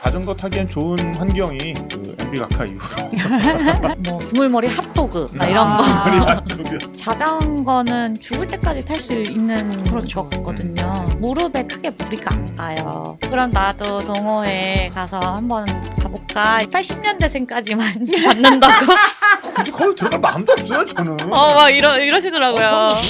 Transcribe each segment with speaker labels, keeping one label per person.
Speaker 1: 자전거 타기엔 좋은 환경이 그 MB 각하 이후로
Speaker 2: 뭐 두물머리 핫도그 막 이런 거.
Speaker 1: 머리 안쪽에
Speaker 2: 자전거는 죽을 때까지 탈 수 있는
Speaker 3: 그렇죠.
Speaker 2: 것 같거든요. 무릎에 크게 무리가 안 가요. 그럼 나도 동호회 가서 한번 가볼까? 80년대생까지만 받는다고.
Speaker 1: 굳이 거기 들어갈 마음도 없어요 저는.
Speaker 2: 막 이러시더라고요.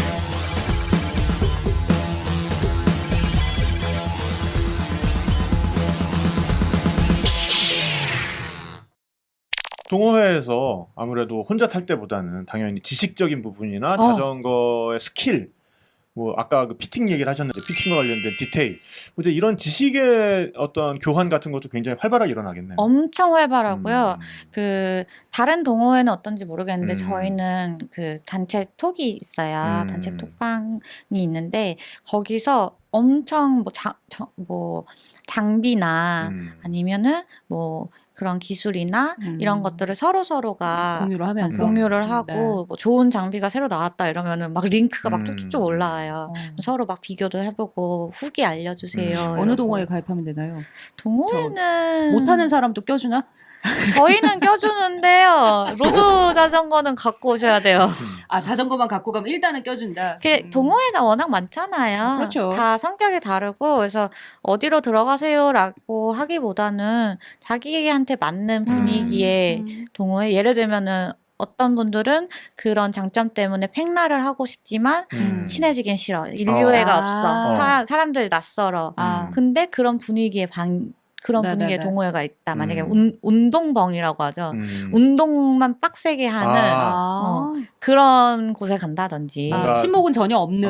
Speaker 1: 동호회에서 아무래도 혼자 탈 때보다는 당연히 지식적인 부분이나 자전거의 스킬, 뭐 아까 그 피팅 얘기를 하셨는데 피팅과 관련된 디테일, 이제 이런 지식의 어떤 교환 같은 것도 굉장히 활발하게 일어나겠네요.
Speaker 2: 엄청 활발하고요.
Speaker 1: 음.
Speaker 2: 그 다른 동호회는 어떤지 모르겠는데
Speaker 1: 음.
Speaker 2: 저희는 그 단체 톡이 있어요.
Speaker 1: 음.
Speaker 2: 단체 톡방이 있는데 거기서 엄청 뭐 장비나 아니면은 뭐 그런 기술이나 이런 것들을 서로가
Speaker 3: 공유를 하면서
Speaker 2: 공유를 하고 뭐 좋은 장비가 새로 나왔다 이러면은 막 링크가 막 쭉쭉쭉 올라와요.
Speaker 3: 네.
Speaker 2: 서로 막 비교도 해보고 후기 알려주세요.
Speaker 1: 어느
Speaker 3: 어느
Speaker 2: 이러고.
Speaker 3: 동호회 가입하면 되나요?
Speaker 2: 동호회는
Speaker 3: 못하는 사람도 껴주나?
Speaker 2: 저희는 껴주는데요. 로드 자전거는 갖고 오셔야 돼요.
Speaker 3: 아 자전거만 갖고 가면 일단은 껴준다.
Speaker 2: 동호회가 워낙 많잖아요.
Speaker 3: 그렇죠.
Speaker 2: 다 성격이 다르고 그래서 어디로 들어가세요라고 하기보다는 자기한테 맞는 분위기의 동호회. 예를 들면은 어떤 분들은 그런 장점 때문에 팽라를 하고 싶지만 친해지긴 싫어. 인류애가 없어. 사람들이 낯설어. 근데 그런 분위기의 그런 분위기의 동호회가 있다. 만약에 운동벙이라고 하죠. 운동만 빡세게 하는 그런 곳에 간다든지.
Speaker 3: 친목은 전혀 없는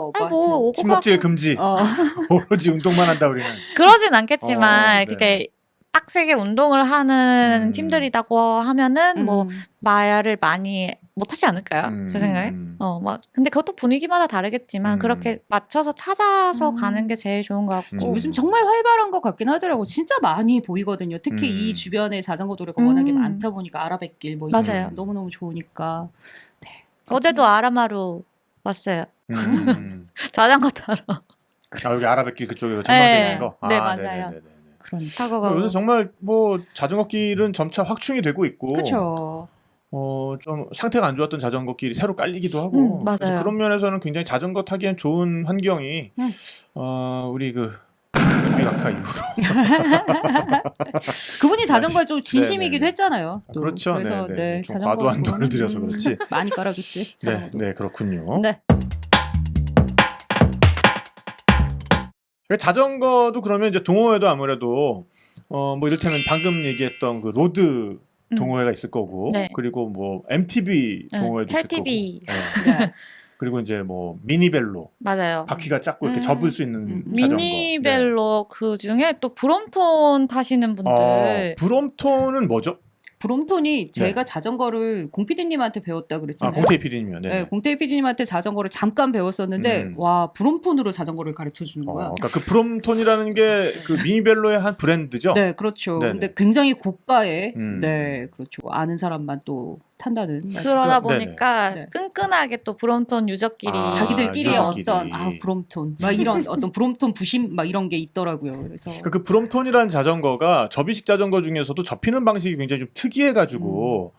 Speaker 1: 친목질 금지. 오로지 운동만 한다 우리는.
Speaker 2: 그러진 않겠지만
Speaker 1: 네.
Speaker 2: 그게 빡세게 운동을 하는 팀들이라고 하면은 뭐 말을 많이 못하지 않을까요? 제 생각에. 근데 그것도 분위기마다 다르겠지만 그렇게 맞춰서 찾아서 가는 게 제일 좋은 것 같고.
Speaker 3: 요즘 정말 활발한 것 같긴 하더라고. 진짜 많이 보이거든요. 특히 이 주변에 자전거 도로가 워낙에 많다 보니까 아라뱃길 뭐 이런
Speaker 2: 맞아요.
Speaker 3: 거 너무너무 좋으니까. 네.
Speaker 2: 어제도 아라마루 왔어요. 자전거 타러.
Speaker 1: 여기 아라뱃길 그쪽으로 전망되는
Speaker 2: 네.
Speaker 1: 거.
Speaker 2: 네, 맞아요.
Speaker 1: 네네네네.
Speaker 3: 그러니까.
Speaker 2: 타고 가고.
Speaker 1: 요새 정말 뭐 자전거 길은 점차 확충이 되고 있고.
Speaker 3: 그렇죠.
Speaker 1: 좀 상태가 안 좋았던 자전거 길이 새로 깔리기도 하고.
Speaker 2: 맞아요.
Speaker 1: 그래서 그런 면에서는 굉장히 자전거 타기엔 좋은 환경이 우리 그 MB 각하 이후로.
Speaker 3: 그분이 자전거에 좀 진심이기도
Speaker 1: 네네.
Speaker 3: 했잖아요. 또.
Speaker 1: 그렇죠.
Speaker 3: 그래서
Speaker 1: 네. 좀
Speaker 3: 자전거
Speaker 1: 과도한 돈을 들여서 그렇지.
Speaker 3: 많이 깔아줬지. 자전거도.
Speaker 1: 네, 그렇군요.
Speaker 3: 네.
Speaker 1: 자전거도 그러면 이제 동호회도 아무래도 뭐 이를테면 방금 얘기했던 그 로드 동호회가 있을 거고,
Speaker 2: 네.
Speaker 1: 그리고 뭐 MTB 동호회도 있을 거고,
Speaker 2: 찰TV.
Speaker 3: 네.
Speaker 1: 그리고 이제 뭐 미니벨로
Speaker 2: 맞아요.
Speaker 1: 바퀴가 작고 이렇게 접을 수 있는 자전거.
Speaker 2: 미니벨로 그 중에 또 브롬톤 타시는 분들.
Speaker 1: 브롬톤은 뭐죠?
Speaker 3: 브롬톤이 제가 자전거를 공 PD님한테 배웠다 그랬잖아요.
Speaker 1: 공태희 PD님이요.
Speaker 3: 네, 공태희 PD님한테 자전거를 잠깐 배웠었는데 와 브롬톤으로 자전거를 가르쳐 주는 거야.
Speaker 1: 그러니까 그 브롬톤이라는 게 그 미니벨로의 한 브랜드죠.
Speaker 3: 네, 그렇죠.
Speaker 1: 네네.
Speaker 3: 근데 굉장히 고가의 네, 그렇죠. 아는 사람만 또 탄다는.
Speaker 2: 그러다
Speaker 1: 그-
Speaker 2: 보니까
Speaker 3: 네네.
Speaker 2: 끈끈하게 또 브롬톤 유저끼리
Speaker 3: 자기들끼리의
Speaker 1: 유저끼리.
Speaker 3: 어떤 브롬톤 막 이런 어떤 브롬톤 부심 막 이런 게 있더라고요. 그래서
Speaker 1: 그 브롬톤이라는 자전거가 접이식 자전거 중에서도 접히는 방식이 굉장히 좀 특이해가지고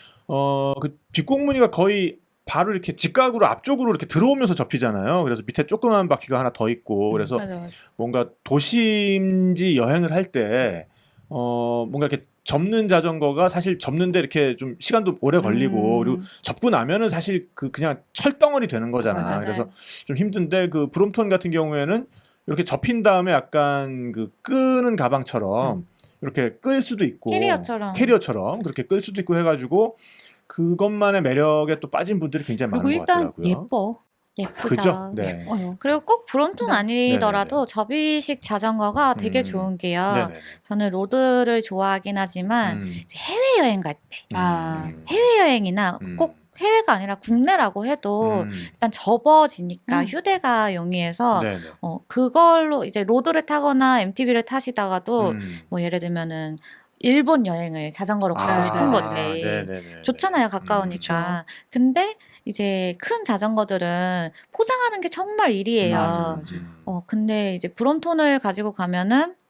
Speaker 1: 그 뒷공무니가 거의 바로 이렇게 직각으로 앞쪽으로 이렇게 들어오면서 접히잖아요. 그래서 밑에 조그만 바퀴가 하나 더 있고 그래서
Speaker 2: 맞아.
Speaker 1: 뭔가 도심지 여행을 할 때 뭔가 이렇게 접는 자전거가 사실 접는데 이렇게 좀 시간도 오래 걸리고 그리고 접고 나면은 사실 그냥 철덩어리 되는 거잖아.
Speaker 3: 맞아요.
Speaker 1: 그래서 좀 힘든데 그 브롬톤 같은 경우에는 이렇게 접힌 다음에 약간 그 끄는 가방처럼 이렇게 끌 수도 있고 캐리어처럼 그렇게 끌 수도 있고 해가지고 그것만의 매력에 또 빠진 분들이 굉장히
Speaker 3: 그리고
Speaker 1: 많은 것
Speaker 3: 일단
Speaker 1: 같더라고요.
Speaker 3: 예뻐.
Speaker 2: 예쁘죠.
Speaker 1: 그죠? 네.
Speaker 3: 예뻐요.
Speaker 2: 그리고 꼭 브롬톤
Speaker 3: 네.
Speaker 2: 아니더라도 접이식 자전거가 되게 좋은 게요.
Speaker 1: 네네.
Speaker 2: 저는 로드를 좋아하긴 하지만 이제 해외여행 갈 때 해외여행이나 꼭 해외가 아니라 국내라고 해도 일단 접어지니까 휴대가 용이해서
Speaker 1: 네네.
Speaker 2: 그걸로 이제 로드를 타거나 MTB를 타시다가도 뭐 예를 들면은 일본 여행을 자전거로 가고 싶은 거지.
Speaker 1: 네네네.
Speaker 2: 좋잖아요, 가까우니까. 근데 이제 큰 자전거들은 포장하는 게 정말 일이에요.
Speaker 3: 맞아.
Speaker 2: 근데 이제 브롬톤을 가지고 가면은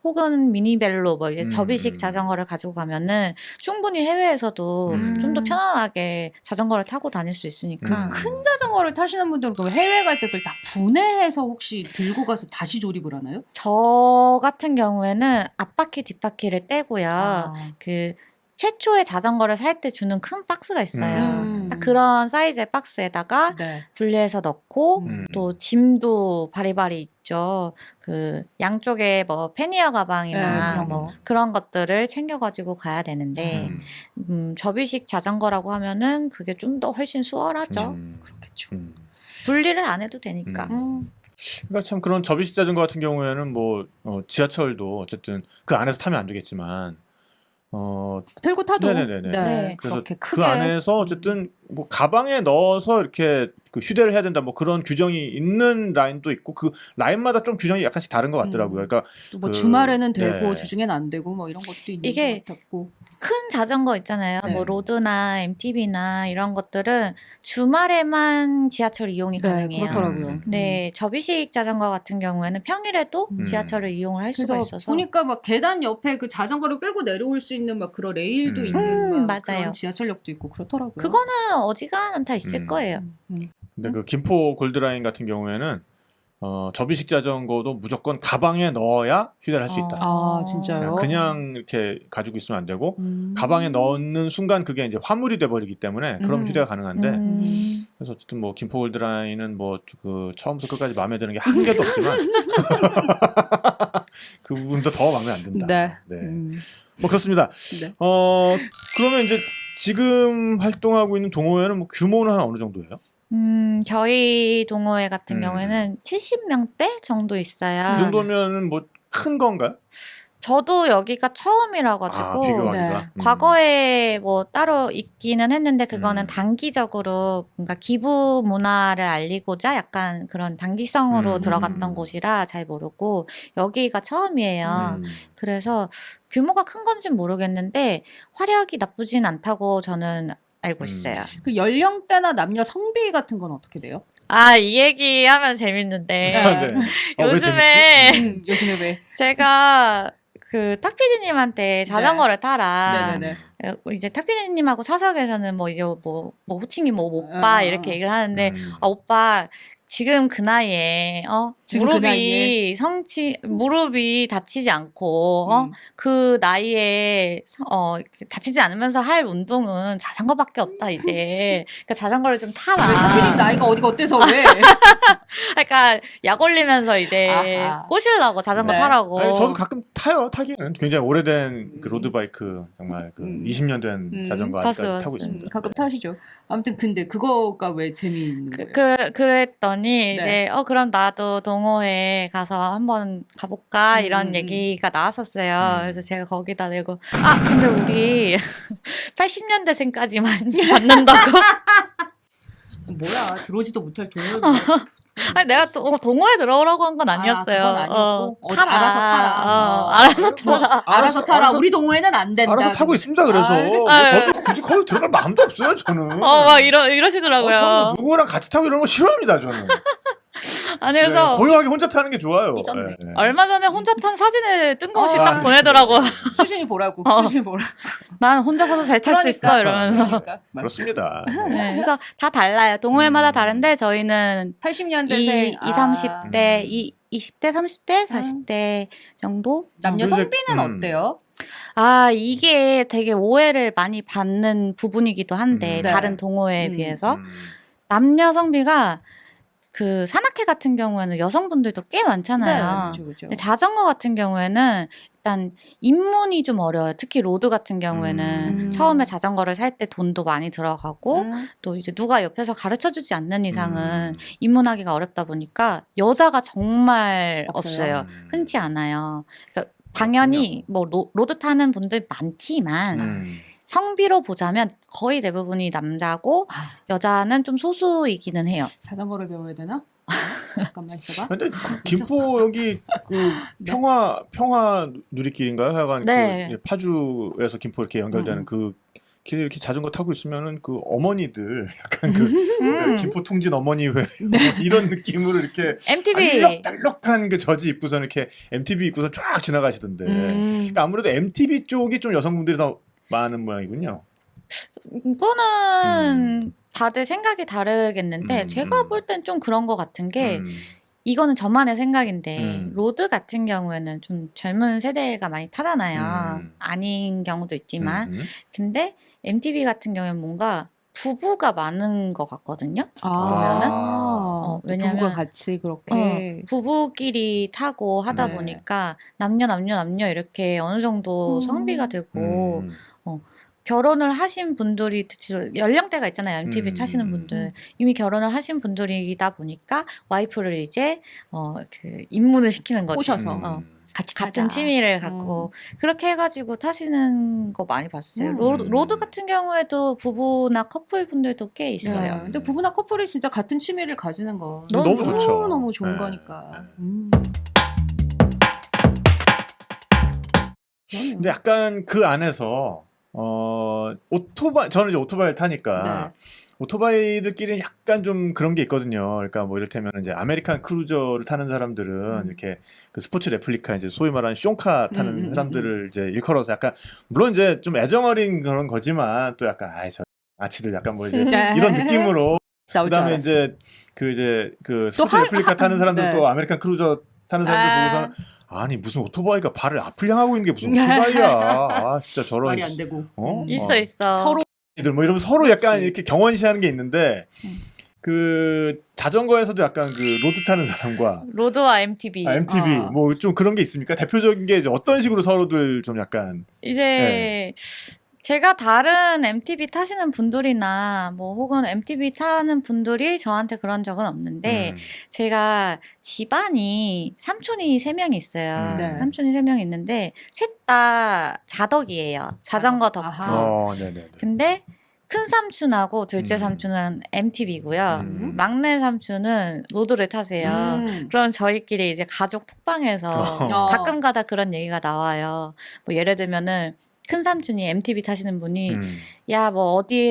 Speaker 2: 혹은 미니벨로 뭐 이제 접이식 자전거를 가지고 가면은 충분히 해외에서도 좀 더 편안하게 자전거를 타고 다닐 수 있으니까.
Speaker 3: 큰 자전거를 타시는 분들은 그럼 해외 갈 때 그걸 다 분해해서 혹시 들고 가서 다시 조립을 하나요?
Speaker 2: 저 같은 경우에는 앞바퀴 뒷바퀴를 떼고요.
Speaker 3: 아.
Speaker 2: 그 최초의 자전거를 살 때 주는 큰 박스가 있어요. 딱 그런 사이즈의 박스에다가
Speaker 3: 네.
Speaker 2: 분리해서 넣고
Speaker 3: 음.
Speaker 2: 또 짐도 바리바리 있죠. 그 양쪽에 뭐 패니어 가방이나
Speaker 3: 네,
Speaker 2: 뭐 그런 것들을 챙겨가지고 가야 되는데 접이식 자전거라고 하면은 그게 좀 더 훨씬 수월하죠.
Speaker 3: 그렇겠죠.
Speaker 2: 분리를 안 해도 되니까.
Speaker 1: 그러니까 참 그런 접이식 자전거 같은 경우에는 뭐 지하철도 어쨌든 그 안에서 타면 안 되겠지만
Speaker 3: 들고 타도
Speaker 1: 네네네네.
Speaker 2: 네.
Speaker 1: 그래서
Speaker 3: 그렇게
Speaker 1: 그
Speaker 3: 크게
Speaker 1: 안에서 어쨌든 뭐 가방에 넣어서 이렇게 그 휴대를 해야 된다 뭐 그런 규정이 있는 라인도 있고 그 라인마다 좀 규정이 약간씩 다른 것 같더라고요. 그러니까
Speaker 3: 뭐
Speaker 1: 그-
Speaker 3: 주말에는 되고
Speaker 1: 네.
Speaker 3: 주중에는 안 되고 뭐 이런 것도 있는
Speaker 2: 이게
Speaker 3: 것 같고.
Speaker 2: 큰 자전거 있잖아요.
Speaker 3: 네.
Speaker 2: 뭐 로드나 MTB나 이런 것들은 주말에만 지하철 이용이 가능해요.
Speaker 3: 그렇더라고요.
Speaker 2: 네, 접이식 자전거 같은 경우에는 평일에도
Speaker 1: 음.
Speaker 2: 지하철을 이용을 할 수가
Speaker 3: 그래서
Speaker 2: 있어서
Speaker 3: 보니까 막 계단 옆에 그 자전거를 끌고 내려올 수 있는 막 그런 레일도 있는 막
Speaker 2: 맞아요.
Speaker 3: 그런 지하철역도 있고 그렇더라고요.
Speaker 2: 그거는 어지간하면 다 있을 거예요.
Speaker 1: 근데 그 김포 골드라인 같은 경우에는 접이식 자전거도 무조건 가방에 넣어야 휴대를 할 수 있다.
Speaker 3: 아, 진짜요?
Speaker 1: 그냥 이렇게 가지고 있으면 안 되고 가방에 넣는 순간 그게 이제 화물이 돼 버리기 때문에 그럼 휴대가 가능한데 그래서 어쨌든 뭐 김포 골드라인은 뭐 그 처음부터 끝까지 마음에 드는 게 한 개도 없지만 그 부분도 더 마음에 안 든다.
Speaker 3: 네.
Speaker 1: 뭐 그렇습니다.
Speaker 3: 네.
Speaker 1: 그러면 이제 지금 활동하고 있는 동호회는 뭐 규모는 한 어느 정도예요?
Speaker 2: 저희 동호회 같은 경우에는 70명대 정도 있어요.
Speaker 1: 그 정도면은 뭐 큰 건가요?
Speaker 2: 저도 여기가 처음이라 가지고
Speaker 1: 비교하기가.
Speaker 2: 과거에 뭐 따로 있기는 했는데 그거는 단기적으로 뭔가 기부 문화를 알리고자 약간 그런 단기성으로 들어갔던 곳이라 잘 모르고 여기가 처음이에요. 그래서 규모가 큰 건지는 모르겠는데 화력이 나쁘진 않다고 저는 알고 있어요.
Speaker 3: 그 연령대나 남녀 성비 같은 건 어떻게 돼요?
Speaker 2: 아, 이 얘기하면 재밌는데
Speaker 1: 네. 왜
Speaker 2: 요즘에
Speaker 1: 재밌지?
Speaker 3: 요즘에 왜?
Speaker 2: 제가 그 탁피디님한테 자전거를 타라.
Speaker 3: 네네네.
Speaker 2: 이제 탁피디님하고 사석에서는 뭐 이제 뭐 호칭이 뭐 오빠 이렇게 얘기를 하는데 오빠 지금 그 나이에
Speaker 3: 지금 그 나이에?
Speaker 2: 무릎이 다치지 않고 그 나이에 다치지 않으면서 할 운동은 자전거밖에 없다 이제. 그러니까 자전거를 좀 타라.
Speaker 3: 왜 탁피디님 나이가 어디가 어때서 왜?
Speaker 2: 그러니까 약 올리면서 이제
Speaker 3: 아하.
Speaker 2: 꼬시려고 자전거
Speaker 3: 네.
Speaker 2: 타라고.
Speaker 1: 아니, 저도 가끔 타요. 타기는 굉장히 오래된 그 로드바이크 정말 그 20년 된 자전거 아직까지
Speaker 2: 봤어요.
Speaker 1: 타고 있습니다.
Speaker 3: 가끔 타시죠. 아무튼 근데 그거가 왜 재미있는 거예요?
Speaker 2: 그랬더니
Speaker 3: 네.
Speaker 2: 이제 그럼 나도 동호회 가서 한번 가볼까 이런 얘기가 나왔었어요. 그래서 제가 거기다 내고 근데 우리 80년대생까지만 받는다고.
Speaker 3: 뭐야 들어오지도 못할 동호회.
Speaker 2: 아니 내가 또 동호회 들어오라고 한 건 아니었어요.
Speaker 3: 그건 아니었고
Speaker 2: 타라.
Speaker 3: 알아서 타라.
Speaker 2: 알아서 타라.
Speaker 3: 알아서 타라. 우리 동호회는 안 된다.
Speaker 1: 알아서 타고 있습니다. 그래서
Speaker 3: 알겠어요.
Speaker 1: 저도 굳이 거기 들어갈 마음도 없어요. 저는.
Speaker 2: 막 이러시더라고요.
Speaker 1: 저는 누구랑 같이 타고 이런 거 싫어합니다. 저는.
Speaker 2: 아니 그래서
Speaker 1: 네, 고요하게 혼자 타는 게 좋아요.
Speaker 3: 삐졌네.
Speaker 1: 네.
Speaker 2: 얼마 전에 혼자 탄 사진을 뜬금없이 딱 보내더라고.
Speaker 3: 수진이 보라고. 수진이 보라고.
Speaker 2: 난 혼자서도 잘 탈 수 있어 이러면서.
Speaker 3: 그러니까.
Speaker 1: 그렇습니다.
Speaker 2: 네, 그래서 다 달라요. 동호회마다 다른데 저희는
Speaker 3: 80년대생
Speaker 2: 30대, 20대, 30대, 40대 정도?
Speaker 3: 남녀
Speaker 1: 근데-
Speaker 3: 성비는 어때요?
Speaker 2: 이게 되게 오해를 많이 받는 부분이기도 한데
Speaker 3: 네.
Speaker 2: 다른 동호회에 비해서 남녀 성비가 그 산악회 같은 경우에는 여성분들도 꽤 많잖아요.
Speaker 3: 네, 그렇죠.
Speaker 2: 근데 자전거 같은 경우에는 일단 입문이 좀 어려워요. 특히 로드 같은 경우에는 처음에 자전거를 살 때 돈도 많이 들어가고 또 이제 누가 옆에서 가르쳐주지 않는 이상은 입문하기가 어렵다 보니까 여자가 정말 없어요. 흔치 않아요. 그러니까 당연히 뭐 로드 타는 분들 많지만 성비로 보자면 거의 대부분이 남자고 여자는 좀 소수이기는 해요.
Speaker 3: 자전거를 배워야 되나? 잠깐만 있어봐.
Speaker 1: 근데 김포 여기 그 평화 누리길인가요? 하여간
Speaker 2: 네.
Speaker 1: 그 파주에서 김포 이렇게 연결되는 그 길에 이렇게 자전거 타고 있으면은 그 어머니들 약간 그 김포통진 어머니 회 이런 느낌으로 이렇게
Speaker 2: MTV
Speaker 1: 알록달록한 그 저지 입고서 이렇게 MTV 입고서 쫙 지나가시던데. 그러니까 아무래도 MTV 쪽이 좀 여성분들이 더 많은 모양이군요.
Speaker 2: 이거는 다들 생각이 다르겠는데 제가 볼 땐 좀 그런 것 같은 게 이거는 저만의 생각인데 로드 같은 경우에는 좀 젊은 세대가 많이 타잖아요. 아닌 경우도 있지만 근데 MTV 같은 경우에는 뭔가 부부가 많은 것 같거든요. 보면은 왜냐면
Speaker 3: 부부가 같이 그렇게
Speaker 2: 부부끼리 타고 하다
Speaker 3: 네.
Speaker 2: 보니까 남녀 이렇게 어느 정도 성비가 되고 결혼을 하신 분들이 연령대가 있잖아요. MTV 타시는 분들 이미 결혼을 하신 분들이다 보니까 와이프를 이제 그 입문을 시키는 거죠.
Speaker 3: 꼬셔서 같이
Speaker 2: 같은 취미를 갖고 그렇게 해가지고 타시는 거 많이 봤어요. 로드 같은 경우에도 부부나 커플 분들도 꽤 있어요.
Speaker 3: 네. 근데 부부나 커플이 진짜 같은 취미를 가지는 거
Speaker 1: 너무 좋죠.
Speaker 3: 너무 좋은
Speaker 1: 네.
Speaker 3: 거니까.
Speaker 1: 근데 약간 그 안에서 오토바이 저는 이제 오토바이를 타니까
Speaker 3: 네.
Speaker 1: 오토바이들끼리는 약간 좀 그런 게 있거든요. 그러니까 뭐 이를테면 이제 아메리칸 크루저를 타는 사람들은 이렇게 그 스포츠 레플리카 이제 소위 말하는 숑카 타는 사람들을 이제 일컬어서 약간 물론 이제 좀 애정어린 그런 거지만 또 약간 저 아치들 약간 뭐 이제 이런 느낌으로 그다음에 이제 그 스포츠 레플리카 타는 사람들 또 아메리칸 크루저 타는 사람들 보고서는 아니 무슨 오토바이가 발을 앞을 향하고 있는 게 무슨 오토바이야. 아 진짜 저런
Speaker 3: 말이 안 되고.
Speaker 2: 있어.
Speaker 3: 서로
Speaker 1: 뭐 이러면 서로 약간 이렇게 경원시하는 게 있는데 그 자전거에서도 약간 그 로드 타는 사람과
Speaker 2: 로드와 MTV
Speaker 1: MTV 뭐 좀 그런 게 있습니까? 대표적인 게 이제 어떤 식으로 서로들 좀 약간
Speaker 2: 이제 제가 다른 MTV 타시는 분들이나 뭐 혹은 MTV 타는 분들이 저한테 그런 적은 없는데 제가 집안이 삼촌이 3명이 있어요.
Speaker 3: 네.
Speaker 2: 삼촌이 3명이 있는데 셋 다 자덕이에요. 자전거 덕후.
Speaker 1: 네네.
Speaker 2: 근데 큰 삼촌하고 둘째 삼촌은 MTV고요. 막내 삼촌은 로드를 타세요. 그럼 저희끼리 이제 가족 톡방에서 가끔가다 그런 얘기가 나와요. 뭐 예를 들면은 큰 삼촌이 MTV 타시는 분이 야 뭐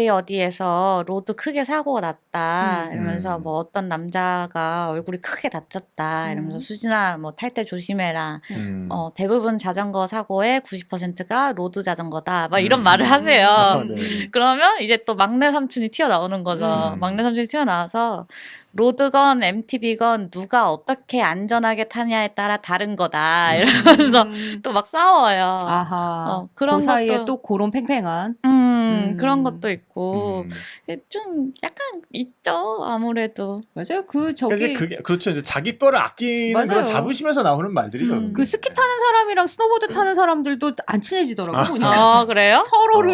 Speaker 2: 어디에서 로드 크게 사고가 났다 이러면서 뭐 어떤 남자가 얼굴이 크게 다쳤다 이러면서 수진아 뭐 탈 때 조심해라. 대부분 자전거 사고의 90%가 로드 자전거다 막 이런 말을 하세요. 그러면 이제 또 막내 삼촌이 튀어나오는 거죠. 막내 삼촌이 튀어나와서 로드건 MTV건 누가 어떻게 안전하게 타냐에 따라 다른 거다 이러면서 또 막 싸워요.
Speaker 3: 아하.
Speaker 2: 그런
Speaker 3: 그 사이에
Speaker 2: 것도
Speaker 3: 또 그런 팽팽한
Speaker 2: 그런 것도 있고 좀 약간 있죠 아무래도.
Speaker 3: 맞아요. 그 저기
Speaker 1: 그게 그렇죠. 이제 자기 거를 아끼는
Speaker 3: 맞아요.
Speaker 1: 그런 자부심에서 나오는 말들이죠.
Speaker 3: 그 스키 타는 사람이랑 스노보드 타는 사람들도 안 친해지더라고요.
Speaker 2: 아 그래요?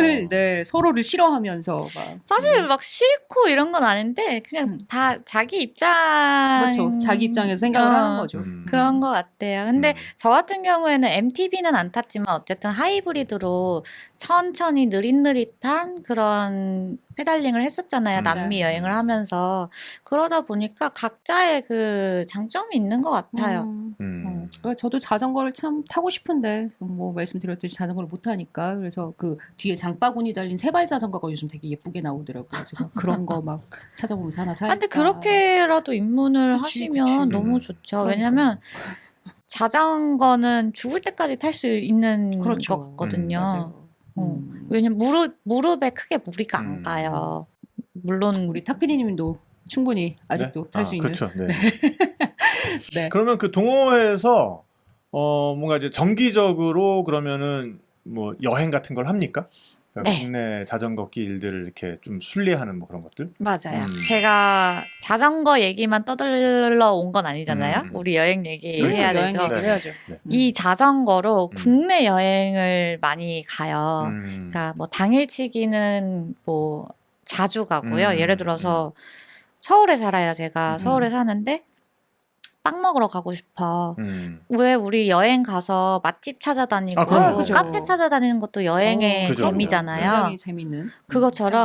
Speaker 3: 서로를 싫어하면서 막.
Speaker 2: 사실 막 싫고 이런 건 아닌데 그냥 다 자기 입장
Speaker 3: 그렇죠. 자기 입장에서 생각을 하는 거죠.
Speaker 2: 그런 것 같아요. 근데 저 같은 경우에는 MTV는 안 탔지만 어쨌든 하이브리드로 천천히 느릿느릿한 그런 페달링을 했었잖아요. 남미 여행을 하면서. 그러다 보니까 각자의 그 장점이 있는 것 같아요.
Speaker 3: 그러니까 저도 자전거를 참 타고 싶은데 뭐 말씀드렸듯이 자전거를 못 타니까 그래서 그 뒤에 장바구니 달린 세발 자전거가 요즘 되게 예쁘게 나오더라고요. 제가 그런 거 막 찾아보면서 하나 살까.
Speaker 2: 근데 그렇게라도 입문을 하시면 너무 좋죠.
Speaker 3: 그러니까.
Speaker 2: 왜냐면 자전거는 죽을 때까지 탈 수 있는
Speaker 3: 그렇죠.
Speaker 2: 것 같거든요.
Speaker 3: 맞아요.
Speaker 2: 왜냐면 무릎에 크게 무리가 안 가요. 물론
Speaker 3: 우리 타피디님도 충분히 아직도 탈 수 있는.
Speaker 1: 그렇죠. 네.
Speaker 3: 네.
Speaker 1: 그러면 그 동호회에서 뭔가 이제 정기적으로 그러면은 뭐 여행 같은 걸 합니까? 그러니까
Speaker 2: 네.
Speaker 1: 국내 자전거 길들을 이렇게 좀 순례하는 뭐 그런 것들?
Speaker 2: 맞아요. 제가 자전거 얘기만 떠들러 온 건 아니잖아요. 우리 여행 얘기
Speaker 1: 그렇죠.
Speaker 2: 해야
Speaker 3: 여행
Speaker 2: 되죠.
Speaker 3: 얘기를 해야죠.
Speaker 2: 이 자전거로 국내 여행을 많이 가요. 그러니까 뭐 당일치기는 뭐 자주 가고요. 예를 들어서 서울에 살아요. 제가 서울에 사는데 빵 먹으러 가고 싶어. 왜 우리 여행 가서 맛집 찾아다니고
Speaker 1: 그럼요.
Speaker 3: 그죠.
Speaker 2: 카페 찾아다니는 것도 여행의
Speaker 1: 그죠.
Speaker 2: 재미잖아요.
Speaker 3: 굉장히 재밌는.
Speaker 2: 그것처럼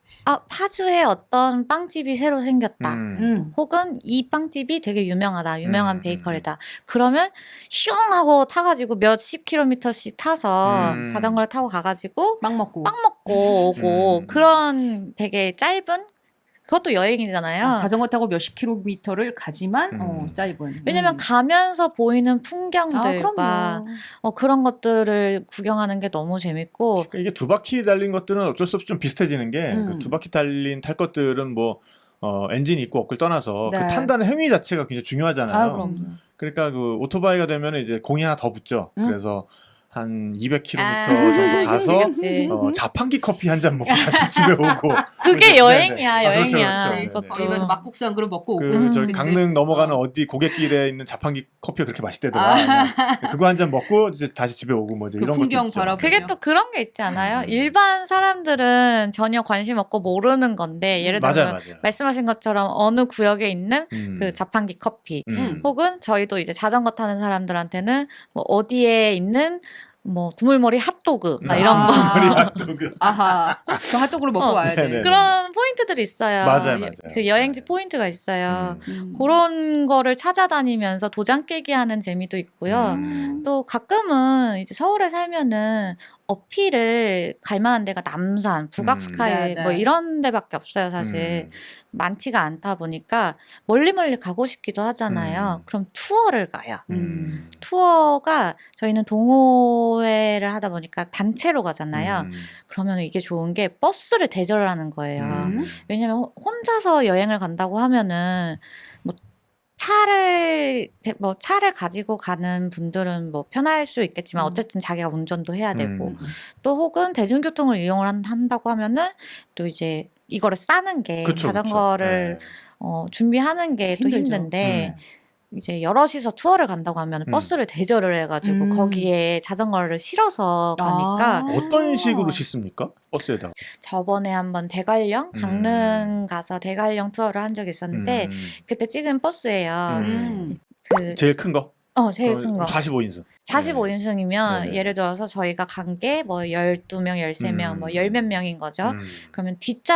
Speaker 2: 파주에 어떤 빵집이 새로 생겼다. 혹은 이 빵집이 되게 유명하다. 유명한 베이커리다. 그러면 슝 하고 타가지고 몇십 킬로미터씩 타서 자전거를 타고 가가지고
Speaker 3: 빵 먹고
Speaker 2: 오고 그런 되게 짧은 그것도 여행이잖아요.
Speaker 3: 자전거 타고 몇십 킬로미터를 가지만 짧은.
Speaker 2: 왜냐면 가면서 보이는 풍경들과
Speaker 3: 그럼요.
Speaker 2: 그런 것들을 구경하는 게 너무 재밌고
Speaker 1: 이게 두 바퀴 달린 것들은 어쩔 수 없이 좀 비슷해지는 게 그 두 바퀴 달린 탈 것들은 뭐 엔진이 있고 없고를 떠나서
Speaker 3: 네.
Speaker 1: 그 탄다는 행위 자체가 굉장히 중요하잖아요.
Speaker 3: 그럼.
Speaker 1: 그러니까 그 오토바이가 되면 이제 공이 하나 더 붙죠. 그래서 한 200km 정도 가서
Speaker 2: 그치.
Speaker 1: 자판기 커피 한 잔 먹고 다시 집에 오고.
Speaker 2: 그게
Speaker 1: 네네.
Speaker 2: 여행이야,
Speaker 1: 그렇죠,
Speaker 2: 여행이야.
Speaker 1: 그렇죠.
Speaker 2: 그것도.
Speaker 3: 여기 가서 막국수 한 그릇 먹고 오고.
Speaker 1: 저기
Speaker 3: 그치?
Speaker 1: 강릉 넘어가는 어디 고갯길에 있는 자판기 커피가 그렇게 맛있대더라. 그거 한 잔 먹고 이제 다시 집에 오고 뭐 이제
Speaker 3: 그
Speaker 1: 이런
Speaker 3: 풍경
Speaker 1: 것도 있죠.
Speaker 3: 바라보고.
Speaker 2: 그게 또 그런 게 있지 않아요? 일반 사람들은 전혀 관심 없고 모르는 건데 예를 들면
Speaker 1: 맞아요.
Speaker 2: 말씀하신 것처럼 어느 구역에 있는 그 자판기 커피 혹은 저희도 이제 자전거 타는 사람들한테는 뭐 어디에 있는 뭐 두물머리 핫도그 막 이런 거
Speaker 1: 머리 핫도그.
Speaker 3: 아하. 그 핫도그를 먹고 와야 돼.
Speaker 1: 네네.
Speaker 2: 그런 포인트들이 있어요.
Speaker 1: 맞아요.
Speaker 2: 그 여행지 포인트가 있어요.
Speaker 3: 음.
Speaker 2: 그런 거를 찾아다니면서 도장 깨기 하는 재미도 있고요. 또 가끔은 이제 서울에 살면은 어필을 갈 만한 데가 남산, 북악스카이
Speaker 3: 네, 네.
Speaker 2: 뭐 이런 데밖에 없어요, 사실. 많지가 않다 보니까 멀리 가고 싶기도 하잖아요. 그럼 투어를 가요. 투어가 저희는 동호회를 하다 보니까 단체로 가잖아요. 그러면 이게 좋은 게 버스를 대절을 하는 거예요. 왜냐면 혼자서 여행을 간다고 하면은 차를 가지고 가는 분들은 뭐 편할 수 있겠지만 어쨌든 자기가 운전도 해야 되고 또 혹은 대중교통을 이용을 한다고 하면은 또 이제 이거를 싸는 게
Speaker 1: 그쵸,
Speaker 2: 자전거를 준비하는 게 또
Speaker 3: 힘들죠.
Speaker 2: 힘든데 이제 여럿이서 투어를 간다고 하면 버스를 대절을 해가지고 거기에 자전거를 실어서 가니까
Speaker 1: 어떤 식으로 싣습니까? 버스에다가.
Speaker 2: 저번에 한번 대관령 강릉 가서 대관령 투어를 한 적이 있었는데 그때 찍은 버스예요. 그
Speaker 1: 제일 큰 거?
Speaker 2: 제일 큰 거.
Speaker 1: 45인승.
Speaker 2: 45인승이면
Speaker 1: 네네.
Speaker 2: 예를 들어서 저희가 간 게 뭐 12명, 13명, 뭐 열 몇 명인 거죠. 그러면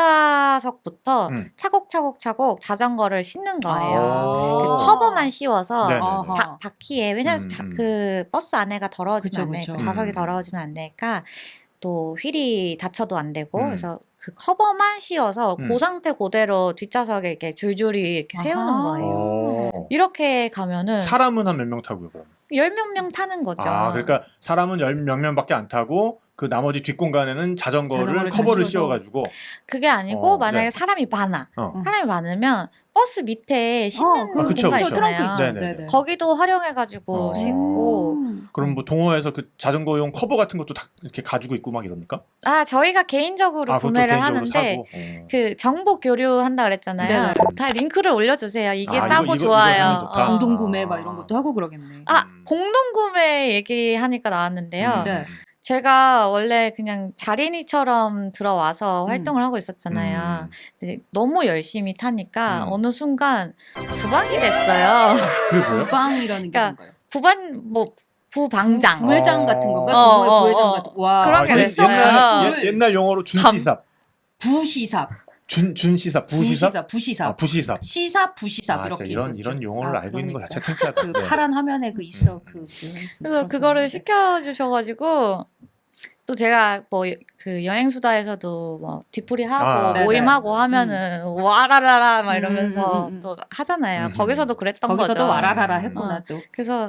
Speaker 2: 뒷좌석부터 차곡차곡 자전거를 싣는 거예요. 그 커버만 씌워서
Speaker 1: 네네네.
Speaker 2: 바퀴에 왜냐면 그 버스 안에가 더러워지면
Speaker 3: 그쵸,
Speaker 2: 안 되니까
Speaker 3: 그쵸.
Speaker 2: 좌석이 더러워지면 안 되니까 또 휠이 다쳐도 안 되고 그래서 그 커버만 씌워서 그 상태 그대로 뒷좌석에 이렇게 줄줄이 이렇게 세우는 거예요. 이렇게 가면은
Speaker 1: 사람은 한 몇 명 타고요, 그럼?
Speaker 2: 열 몇 명 타는 거죠.
Speaker 1: 그러니까 사람은 열 몇 명밖에 안 타고 그 나머지 뒷공간에는 자전거를
Speaker 3: 자전거를
Speaker 1: 커버를
Speaker 3: 다
Speaker 1: 씌워가지고.
Speaker 2: 그게 아니고 만약에
Speaker 1: 네.
Speaker 2: 사람이 많아.
Speaker 1: 어.
Speaker 2: 사람이 많으면 버스 밑에 싣는
Speaker 1: 그쵸,
Speaker 2: 공간
Speaker 1: 그쵸.
Speaker 2: 있잖아요.
Speaker 1: 네네.
Speaker 2: 거기도 활용해가지고 싣고.
Speaker 1: 그럼 뭐 동호회에서 그 자전거용 커버 같은 것도 다 이렇게 가지고 있고 막 이럽니까?
Speaker 2: 저희가 개인적으로
Speaker 1: 그것도
Speaker 2: 구매를
Speaker 1: 개인적으로
Speaker 2: 하는데
Speaker 1: 사고.
Speaker 2: 그 정보 교류한다 그랬잖아요.
Speaker 3: 네네.
Speaker 2: 다 링크를 올려주세요. 이게
Speaker 1: 이거
Speaker 2: 싸고 좋아요.
Speaker 1: 사면 좋다.
Speaker 3: 공동 구매 막 이런 것도 하고 그러겠네.
Speaker 2: 공동 구매 얘기하니까 나왔는데요.
Speaker 3: 네.
Speaker 2: 제가 원래 그냥 자린이처럼 들어와서 활동을 하고 있었잖아요. 근데 너무 열심히 타니까 어느 순간 부방이 됐어요.
Speaker 1: 그게 뭐예요?
Speaker 3: 부방이라는 게
Speaker 2: 그러니까
Speaker 3: 뭔가요?
Speaker 2: 부방장.
Speaker 3: 부회장 같은 건가?
Speaker 2: 어,
Speaker 3: 동호회
Speaker 2: 어,
Speaker 3: 부회장
Speaker 2: 어.
Speaker 3: 같은. 와.
Speaker 2: 그런 게 됐어요.
Speaker 1: 옛날 용어로 준시삽.
Speaker 3: 부시삽.
Speaker 1: 준시삽. 부시삽?
Speaker 3: 부시삽.
Speaker 1: 부시삽.
Speaker 3: 시삽, 부시삽
Speaker 1: 진짜
Speaker 3: 이렇게
Speaker 1: 이런
Speaker 3: 있었죠.
Speaker 1: 용어를 알고 있는 거
Speaker 3: 그러니까.
Speaker 1: 자체가 창피하다.
Speaker 3: 그
Speaker 1: 네.
Speaker 3: 파란 화면에 그 있어
Speaker 2: 그래서 그거를 시켜주셔가지고 또 제가 뭐 그 여행수다에서도 뭐 뒤풀이하고 모임하고 하면은 와라라라 막 이러면서 또 하잖아요. 거기서도 그랬던 거죠.
Speaker 3: 거기서도 와라라라 했구나 또.
Speaker 2: 그래서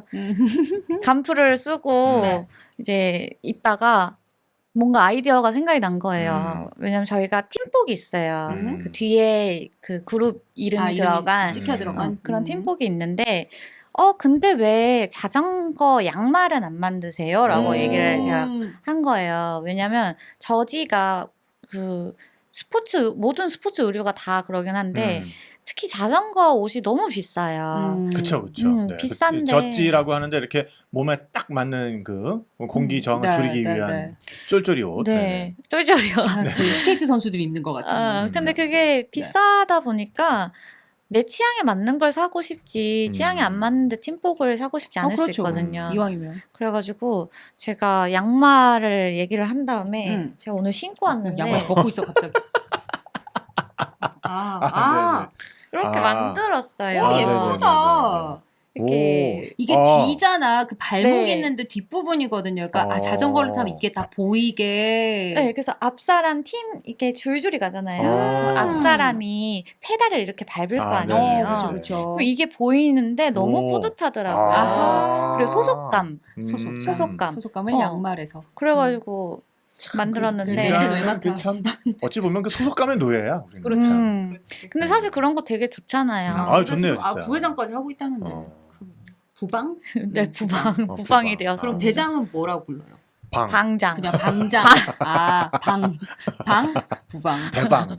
Speaker 2: 간프를 쓰고
Speaker 3: 네.
Speaker 2: 이제 있다가 뭔가 아이디어가 생각이 난 거예요. 왜냐면 저희가 팀복이 있어요. 그 뒤에 그 그룹 이름이 들어간
Speaker 3: 찍혀 들어간
Speaker 2: 그런 팀복이 있는데 근데 왜 자전거 양말은 안 만드세요? 라고 얘기를 제가 한 거예요. 왜냐면 저지가 그 모든 스포츠 의류가 다 그러긴 한데 특히 자전거 옷이 너무 비싸요.
Speaker 1: 그쵸. 네.
Speaker 2: 비싼데.
Speaker 1: 젖지라고 하는데 이렇게 몸에 딱 맞는 그 공기 저항을 줄이기 위한 쫄쫄이 옷.
Speaker 2: 네. 쫄쫄이요.
Speaker 3: 그 스케이트 선수들이 입는 것 같은.
Speaker 2: 근데 그게 비싸다 보니까 내 취향에 맞는 걸 사고 싶지 취향에 안 맞는데 팀복을 사고 싶지 않을 수 있거든요.
Speaker 3: 이왕이면.
Speaker 2: 그래가지고 제가 양말을 얘기를 한 다음에 제가 오늘 신고 왔는데
Speaker 3: 양말 벗고 있어 갑자기.
Speaker 2: 이렇게
Speaker 1: 아.
Speaker 2: 만들었어요.
Speaker 3: 오,
Speaker 1: 아,
Speaker 3: 예쁘다.
Speaker 2: 이렇게
Speaker 3: 이게
Speaker 1: 아.
Speaker 3: 뒤잖아. 그 발목
Speaker 2: 네.
Speaker 3: 있는데 뒷부분이거든요. 그러니까 자전거를 타면 이게 다
Speaker 2: 네,
Speaker 3: 보이게.
Speaker 2: 그래서 앞사람 팀 이렇게 줄줄이 가잖아요.
Speaker 1: 아.
Speaker 2: 그럼 앞사람이 페달을 이렇게 밟을 거
Speaker 1: 아, 네,
Speaker 2: 아니에요.
Speaker 1: 네, 네.
Speaker 3: 그렇죠.
Speaker 2: 그럼 이게 보이는데 너무
Speaker 1: 오.
Speaker 2: 뿌듯하더라고요.
Speaker 3: 아하.
Speaker 2: 그리고 소속감.
Speaker 3: 소속감. 소속감을
Speaker 2: 어.
Speaker 3: 양말에서.
Speaker 2: 그래가지고 만들었는데.
Speaker 3: 네.
Speaker 1: 우리가 참 어찌 보면 그 소속감의 노예야. 우리는.
Speaker 3: 그렇죠.
Speaker 2: 음.
Speaker 3: 그렇지.
Speaker 2: 근데 사실 그런 거 되게 좋잖아요.
Speaker 1: 아, 좋네요,
Speaker 3: 아,
Speaker 1: 진짜.
Speaker 3: 부회장까지 하고 있다는데.
Speaker 1: 어.
Speaker 3: 부방?
Speaker 2: 네, 부방,
Speaker 1: 어,
Speaker 2: 부방이
Speaker 1: 부방.
Speaker 2: 되었어요.
Speaker 3: 그럼 대장은 뭐라고 불러요?
Speaker 1: 방,
Speaker 2: 방장.
Speaker 3: 그냥 방장. 방, 부방.
Speaker 1: 대방.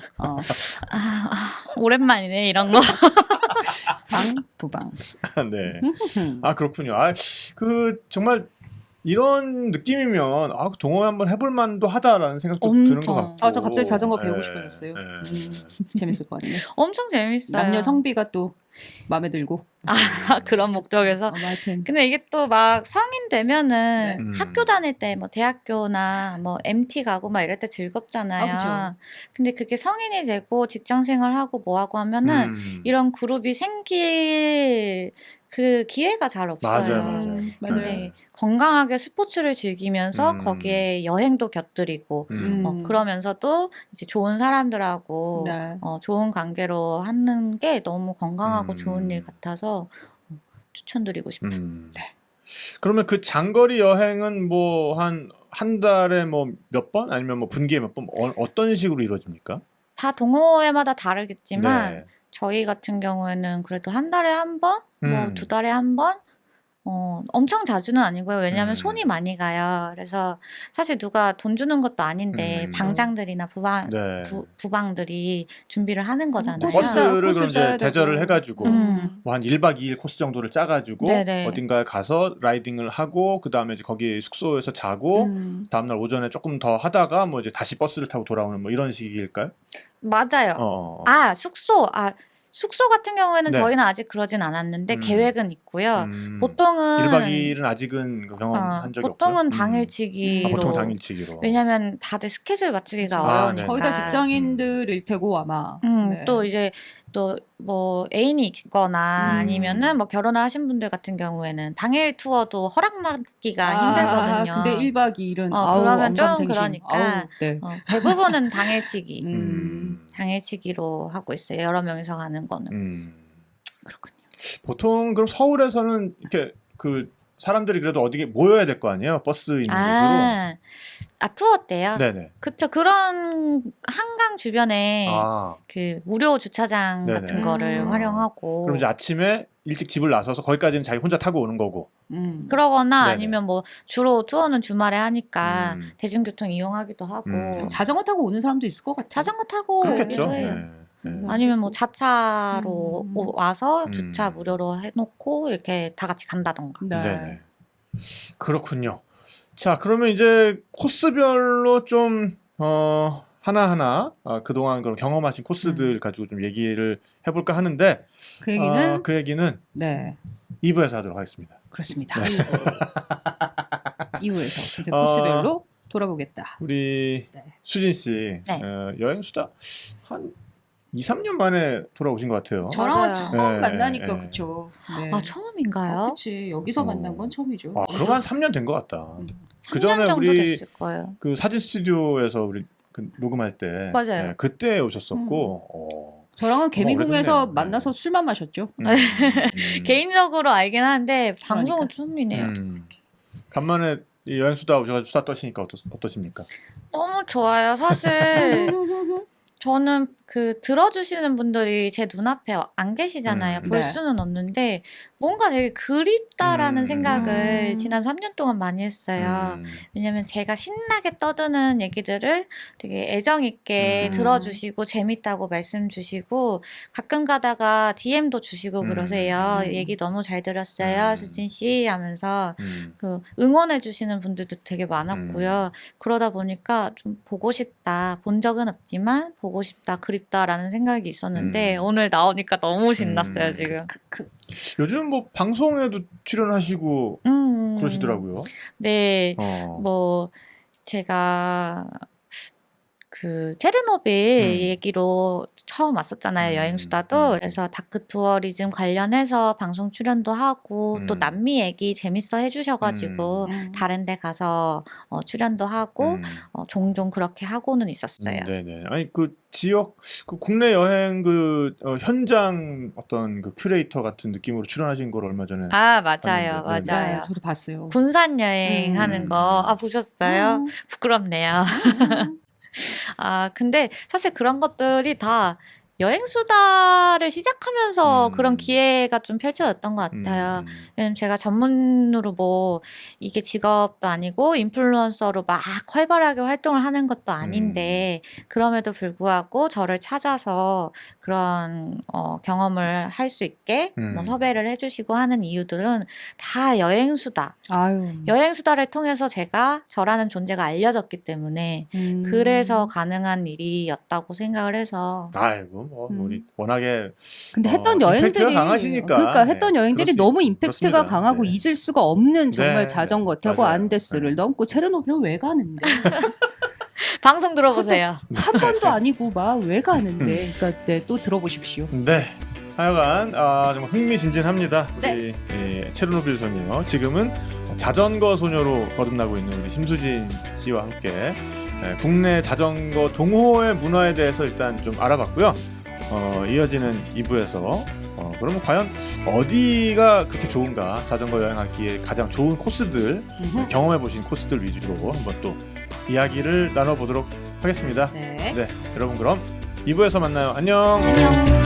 Speaker 2: 오랜만이네, 이런 거.
Speaker 3: 방, 부방.
Speaker 1: 네. 아, 그렇군요. 아, 그 정말 이런 느낌이면 동호회 한번 해볼 만도 하다라는 생각도 드는 것
Speaker 2: 엄청.
Speaker 1: 같고.
Speaker 3: 저 갑자기 자전거 배우고
Speaker 1: 네,
Speaker 3: 싶어졌어요.
Speaker 1: 네.
Speaker 3: 재밌을 거 아니에요.
Speaker 2: 엄청 재밌어요.
Speaker 3: 남녀 성비가 또 마음에 들고.
Speaker 2: 그런 목적에서.
Speaker 3: 하여튼.
Speaker 2: 근데 이게 또 막 성인 되면은
Speaker 1: 네.
Speaker 2: 학교 다닐 때 뭐 대학교나 뭐 MT 가고 막 이럴 때 즐겁잖아요.
Speaker 3: 아, 그죠.
Speaker 2: 근데 그게 성인이 되고 직장 생활하고 뭐 하고 하면은 이런 그룹이 생길 그 기회가 잘 없어요.
Speaker 1: 맞아요.
Speaker 2: 근데 건강하게 스포츠를 즐기면서 거기에 여행도 곁들이고 그러면서도 이제 좋은 사람들하고
Speaker 3: 네.
Speaker 2: 좋은 관계로 하는 게 너무 건강하고 좋은 일 같아서 추천드리고 싶어요.
Speaker 1: 그러면 그 장거리 여행은 뭐 한 달에 뭐 몇 번 아니면 뭐 분기에 몇 번 어떤 식으로 이루어집니까?
Speaker 2: 다 동호회마다 다르겠지만
Speaker 1: 네.
Speaker 2: 저희 같은 경우에는 그래도 한 달에 한 번, 뭐 2달에 한 번, 엄청 자주는 아니고요. 왜냐하면 손이 많이 가요. 그래서 사실 누가 돈 주는 것도 아닌데 방장들이나
Speaker 1: 네.
Speaker 2: 부방들이 준비를 하는 거잖아요.
Speaker 1: 버스를 그럼
Speaker 3: 코스
Speaker 1: 이제
Speaker 3: 짜야
Speaker 1: 대절을
Speaker 3: 되고.
Speaker 1: 해가지고 뭐 한 1박 2일 코스 정도를 짜가지고
Speaker 2: 네네.
Speaker 1: 어딘가에 가서 라이딩을 하고 그 다음에 이제 거기 숙소에서 자고 다음날 오전에 조금 더 하다가 뭐 이제 다시 버스를 타고 돌아오는 뭐 이런 식일까요?
Speaker 2: 맞아요. 숙소 같은 경우에는
Speaker 1: 네.
Speaker 2: 저희는 아직 그러진 않았는데 계획은 있고요. 보통은
Speaker 1: 1박 2일은 아직은 경험한 적이
Speaker 2: 보통은
Speaker 1: 없고요.
Speaker 2: 당일치기로.
Speaker 1: 보통 당일치기로.
Speaker 2: 왜냐하면 다들 스케줄 맞추기가
Speaker 1: 그렇죠.
Speaker 2: 어려우니까.
Speaker 3: 거의 다 직장인들일 테고 아마. 네.
Speaker 2: 또 이제 또 뭐 애인이 있거나 아니면은 뭐 결혼을 하신 분들 같은 경우에는 당일 투어도 허락받기가 힘들거든요.
Speaker 3: 근데 1박 2일은
Speaker 2: 그러면 좀
Speaker 3: 엄감생심.
Speaker 2: 그러니까
Speaker 3: 네.
Speaker 2: 대부분은 당일치기. 당일치기로 하고 있어요. 여러 명이서 가는 거는. 그렇군요.
Speaker 1: 보통 그럼 서울에서는 이렇게 그 사람들이 그래도 어디 모여야 될 거 아니에요? 버스 있는 곳으로.
Speaker 2: 투어 때요?
Speaker 1: 네네.
Speaker 2: 그쵸. 그런 한강 주변에
Speaker 1: 아,
Speaker 2: 그 무료 주차장
Speaker 1: 네네.
Speaker 2: 같은 거를 활용하고.
Speaker 1: 그럼 이제 아침에 일찍 집을 나서서 거기까지는 자기 혼자 타고 오는 거고.
Speaker 2: 그러거나
Speaker 1: 네네.
Speaker 2: 아니면 뭐 주로 투어는 주말에 하니까 대중교통 이용하기도 하고.
Speaker 3: 자전거 타고 오는 사람도 있을 것 같아요.
Speaker 2: 자전거 타고
Speaker 1: 그렇겠죠.
Speaker 2: 오기도 해요.
Speaker 1: 네.
Speaker 2: 아니면 뭐 자차로 와서
Speaker 1: 음.
Speaker 2: 주차 무료로 해놓고 이렇게 다 같이 간다던가.
Speaker 3: 네.
Speaker 1: 네네. 그렇군요. 자, 그러면 이제 코스별로 좀 하나하나 그동안 그런 경험하신 코스들 가지고 좀 얘기를 해볼까 하는데
Speaker 3: 그 얘기는
Speaker 1: 그 얘기는
Speaker 3: 네.
Speaker 1: 2부에서 하도록 하겠습니다.
Speaker 3: 그렇습니다. 이후에서 이제 코스별로 돌아보겠다.
Speaker 1: 우리
Speaker 3: 네.
Speaker 1: 수진 씨
Speaker 2: 네.
Speaker 1: 여행 수다 한 2, 3년 만에 돌아오신 것 같아요.
Speaker 3: 저랑은
Speaker 2: 맞아요.
Speaker 3: 처음
Speaker 1: 네,
Speaker 3: 만나니까
Speaker 1: 네.
Speaker 3: 그쵸. 네.
Speaker 2: 처음인가요?
Speaker 3: 그치. 여기서 만난 건 처음이죠.
Speaker 1: 그럼 한 3년 된 것 같다.
Speaker 2: 3년
Speaker 1: 전에
Speaker 2: 정도
Speaker 1: 우리
Speaker 2: 됐을 거예요.
Speaker 1: 그 사진 스튜디오에서 우리 그 녹음할 때
Speaker 2: 맞아요.
Speaker 1: 그때 오셨었고
Speaker 3: 저랑은 개미궁에서
Speaker 1: 오래됐네요.
Speaker 3: 만나서
Speaker 1: 네.
Speaker 3: 술만 마셨죠.
Speaker 2: 개인적으로 알긴 하는데 방송은
Speaker 3: 그러니까.
Speaker 2: 처음이네요.
Speaker 1: 간만에 이 여행 수다 오셔가지고 수다 떠시니까 어떠십니까?
Speaker 2: 너무 좋아요. 사실 저는 그 들어주시는 분들이 제 눈앞에 안 계시잖아요. 볼
Speaker 3: 네.
Speaker 2: 수는 없는데 뭔가 되게 그립다라는 생각을
Speaker 3: 음.
Speaker 2: 지난 3년 동안 많이 했어요. 왜냐면 제가 신나게 떠드는 얘기들을 되게 애정 있게 들어주시고 재밌다고 말씀 주시고 가끔 가다가 DM도 주시고 그러세요. 얘기 너무 잘 들었어요. 수진 씨 하면서 그 응원해 주시는 분들도 되게 많았고요. 그러다 보니까 좀 보고 싶다. 본 적은 없지만 보고 싶다. 그립다라는 생각이 있었는데 오늘 나오니까 너무 신났어요, 지금.
Speaker 1: 요즘 뭐 방송에도 출연하시고 그러시더라고요.
Speaker 2: 네.
Speaker 1: 어.
Speaker 2: 뭐 제가 그 체르노빌 얘기로 처음 왔었잖아요. 여행수다도. 그래서 다크 투어리즘 관련해서 방송 출연도 하고 또 남미 얘기 재밌어 해주셔가지고 다른 데 가서 출연도 하고 종종 그렇게 하고는 있었어요.
Speaker 1: 네네. 아니 그 지역 그 국내 여행 현장 어떤 그 큐레이터 같은 느낌으로 출연하신 걸 얼마 전에
Speaker 2: 아 맞아요,
Speaker 1: 봤는데,
Speaker 2: 맞아요.
Speaker 3: 네, 저도 봤어요.
Speaker 2: 군산 여행 하는 거 보셨어요? 부끄럽네요. 아, 근데 사실 그런 것들이 다 여행수다를 시작하면서 그런 기회가 좀 펼쳐졌던 것 같아요. 왜냐면 제가 전문으로 뭐 이게 직업도 아니고 인플루언서로 막 활발하게 활동을 하는 것도 아닌데 그럼에도 불구하고 저를 찾아서 그런 경험을 할 수 있게 뭐 섭외를 해주시고 하는 이유들은 다 여행수다.
Speaker 3: 아유.
Speaker 2: 여행수다를 통해서 제가 저라는 존재가 알려졌기 때문에 그래서 가능한 일이었다고 생각을 해서
Speaker 1: 아이고 뭐 우리 워낙에
Speaker 3: 근데 했던
Speaker 1: 임팩트가
Speaker 3: 여행들이
Speaker 1: 강하시니까.
Speaker 3: 그러니까 했던
Speaker 1: 네,
Speaker 3: 여행들이
Speaker 1: 그렇습니다.
Speaker 3: 너무 임팩트가
Speaker 1: 그렇습니다.
Speaker 3: 강하고
Speaker 1: 네.
Speaker 3: 잊을 수가 없는 정말
Speaker 1: 네,
Speaker 3: 자전거
Speaker 1: 네.
Speaker 3: 타고
Speaker 1: 맞아요.
Speaker 3: 안데스를
Speaker 1: 네.
Speaker 3: 넘고 체르노빌은 왜 가는데
Speaker 2: 방송 들어보세요.
Speaker 3: 한 번도 아니고 막 왜 가는데 그러니까 네, 또 들어보십시오.
Speaker 1: 네. 하여간 정말 흥미진진합니다.
Speaker 2: 네.
Speaker 1: 우리 체르노빌 소녀 지금은 자전거 소녀로 거듭나고 있는 우리 심수진 씨와 함께 국내 자전거 동호회 문화에 대해서 일단 좀 알아봤고요. 이어지는 2부에서 그러면 과연 어디가 그렇게 좋은가, 자전거 여행하기에 가장 좋은 코스들, 경험해 보신 코스들 위주로 한번 또 이야기를 나눠보도록 하겠습니다.
Speaker 3: 네.
Speaker 1: 네, 여러분 그럼 2부에서 만나요. 안녕.
Speaker 2: 안녕.